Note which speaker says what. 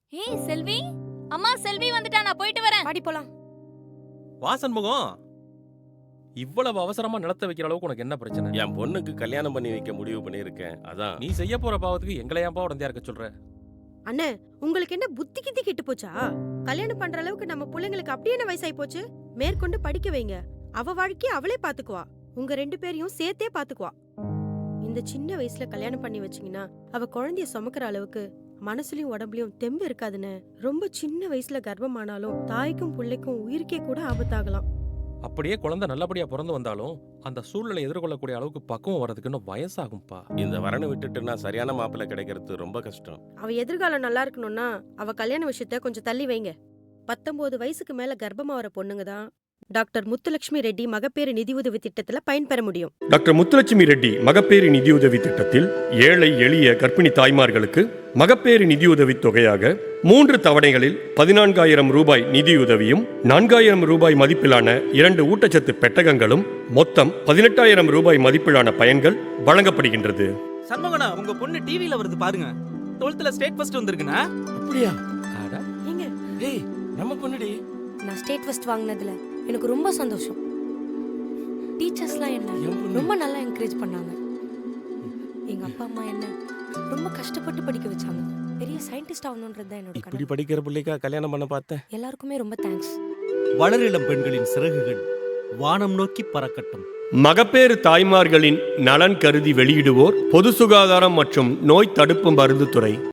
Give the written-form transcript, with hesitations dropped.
Speaker 1: ஏய் செல்வி, அம்மா செல்வி வந்துட்டா, நான் போயிட்டு வரேன்.
Speaker 2: பாடி போலாம்.
Speaker 3: வாசன் முகம், இவ்வளவு அவசரமா நிலத்த வைக்கிற அளவுக்கு உனக்கு என்ன பிரச்சனை?
Speaker 4: என் பொண்ணுக்கு கல்யாணம் பண்ணி வைக்க முடிவு பண்ணியிருக்கேன். அதான்
Speaker 3: நீ செய்ய போற பாவத்துக்கு எங்களை ஏன்பா உடந்தையா இருக்க சொல்ற?
Speaker 2: அண்ணே, உங்களுக்கு என்ன புத்தி கித்தி கெட்டு போச்சா? கல்யாணம் பண்ற அளவுக்கு நம்ம பிள்ளைங்களுக்கு அப்படியே என்ன வயசாயி போச்சு? மேற்கொண்டு படிக்க வைங்க. அவ வாழ்க்கைய அவளே பாத்துக்குவா. உங்க 2 பேரையும் சேர்த்தே பாத்துக்குவா. இந்த சின்ன வயசுல கல்யாணம் பண்ணி வச்சீங்கன்னா அவ குழந்தைய சுமக்கிற அளவுக்கு மனசுலயும் உடம்புலயும் தெம்பு இருக்காதுன்னு. ரொம்ப சின்ன வயசுல கர்ப்பமானாலும் தாய்க்கும் பிள்ளைக்கும் உயிருக்கே கூட ஆபத்தாகலாம்.
Speaker 3: அப்படியே குழந்தை நல்லபடியா பிறந்து வந்தாலும் அந்த சூழ்நிலை எதிர்கொள்ளக்கூடிய அளவுக்கு பக்குவம் வர்றதுக்கு இன்னும் வயசாகும்பா.
Speaker 4: இந்த வரனை விட்டுட்டுனா சரியான மாப்பிள்ளை கிடைக்கிறது ரொம்ப கஷ்டம்.
Speaker 2: அவ எதிர்காலம் நல்லா இருக்கணும்னா அவ கல்யாண விஷயத்த கொஞ்சம் தள்ளி வைங்க. 19 வயசுக்கு மேல கர்ப்பமா வர பொண்ணுங்க தான் டாக்டர் முத்துலட்சுமி ரெட்டி மகப்பேறு நிதியுதவி திட்டத்துல பயன்பெற முடியும்.
Speaker 5: டாக்டர் முத்துலட்சுமி ரெட்டி மகப்பேறு நிதியுதவி திட்டத்தில் ஏழை எளிய கர்ப்பிணி தாய்மார்களுக்கு மகப்பேறு நிதியுதவி தொகையாக 3 தவணைகளில் 14,000 ரூபாய் நிதியுதவியும் 4,000 ரூபாய் மதிப்பிலான 2 ஊட்டச்சத்து பெட்டகங்களும் மொத்தம் 18,000 ரூபாய் மதிப்பிலான பயன்கள் வழங்கப்படுகின்றது.
Speaker 6: சண்முகனா, உங்க பொண்ணு டிவில வருது பாருங்க. 12th state first வந்திருக்குனா?
Speaker 4: அப்படியா?
Speaker 2: ஏங்க,
Speaker 4: ஏய், நம்ம பொண்ணுடி.
Speaker 7: நான் ஸ்டேட் ஃபர்ஸ்ட் வாங்கினதுல எனக்கு ரொம்ப சந்தோஷம். டீச்சர்ஸ்லாம் என்ன ரொம்ப நல்லா என்கரேஜ் பண்ணாங்க. எங்க அப்பா அம்மா என்ன ரொம்ப கஷ்டப்பட்டு படிக்க வச்சாங்க. பெரிய சயின்டிஸ்ட் ஆகணும்ன்றது தான் என்னோட
Speaker 4: இப்படி
Speaker 7: கனவு.
Speaker 4: படிக்கிற பிள்ளைக்கா கல்யாணம் பண்ண பார்த்தேன்.
Speaker 7: எல்லாருக்குமே ரொம்ப தேங்க்ஸ்.
Speaker 6: வளரிளம் பெண்களின் சிறகுகள் வானம் நோக்கி பறக்கட்டும்.
Speaker 5: மகப்பேறு தாய்மார்களின் நலன் கருதி வெளியிடுவோர் பொது சுகாதாரம் மற்றும் நோய் தடுப்பு மருந்து துறை.